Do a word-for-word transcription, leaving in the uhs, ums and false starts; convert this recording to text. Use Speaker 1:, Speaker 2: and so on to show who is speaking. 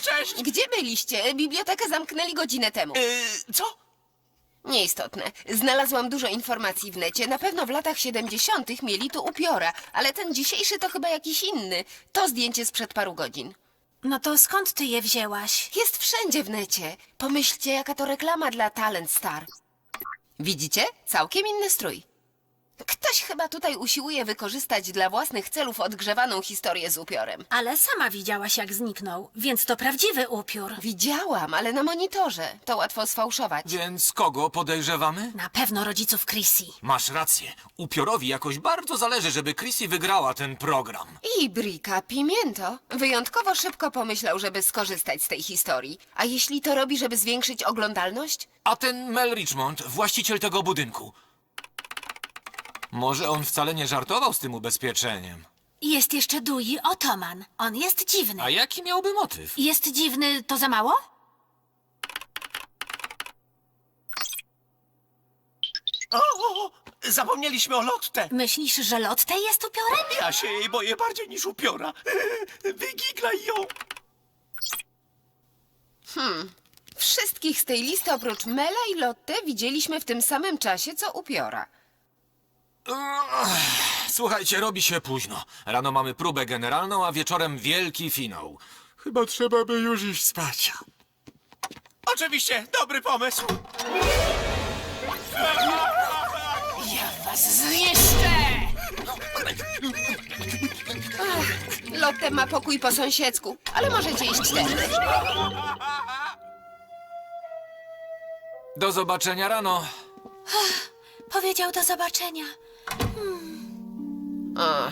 Speaker 1: cześć!
Speaker 2: Gdzie byliście? Bibliotekę zamknęli godzinę temu.
Speaker 1: Yy, co?
Speaker 2: Nieistotne. Znalazłam dużo informacji w necie. Na pewno w latach siedemdziesiątych mieli tu upiora, ale ten dzisiejszy to chyba jakiś inny. To zdjęcie sprzed paru godzin.
Speaker 3: No to skąd ty je wzięłaś?
Speaker 2: Jest wszędzie w necie. Pomyślcie, jaka to reklama dla Talent Star. Widzicie? Całkiem inny strój. Ktoś chyba tutaj usiłuje wykorzystać dla własnych celów odgrzewaną historię z upiorem.
Speaker 3: Ale sama widziałaś, jak zniknął, więc to prawdziwy upiór.
Speaker 2: Widziałam, ale na monitorze. To łatwo sfałszować.
Speaker 4: Więc kogo podejrzewamy?
Speaker 3: Na pewno rodziców Chrissy.
Speaker 4: Masz rację. Upiorowi jakoś bardzo zależy, żeby Chrissy wygrała ten program.
Speaker 2: I Brika Pimiento wyjątkowo szybko pomyślał, żeby skorzystać z tej historii. A jeśli to robi, żeby zwiększyć oglądalność?
Speaker 4: A ten Mel Richmond, właściciel tego budynku. Może on wcale nie żartował z tym ubezpieczeniem.
Speaker 3: Jest jeszcze Dewey Ottoman. On jest dziwny.
Speaker 4: A jaki miałby motyw?
Speaker 3: Jest dziwny, to za mało?
Speaker 1: O, o, o, zapomnieliśmy o Lotte.
Speaker 3: Myślisz, że Lotte jest upiorem?
Speaker 1: Ja się jej boję bardziej niż upiora. Wygiglaj ją.
Speaker 2: Wszystkich z tej listy oprócz Mela i Lotte widzieliśmy w tym samym czasie, co upiora.
Speaker 4: Słuchajcie, robi się późno. Rano mamy próbę generalną, a wieczorem wielki finał. Chyba trzeba by już iść spać.
Speaker 1: Oczywiście, dobry pomysł.
Speaker 3: Ja was zniszczę!
Speaker 2: Lotte ma pokój po sąsiedzku, ale możecie iść tędy.
Speaker 4: Do zobaczenia rano.
Speaker 3: Powiedział do zobaczenia.
Speaker 2: O,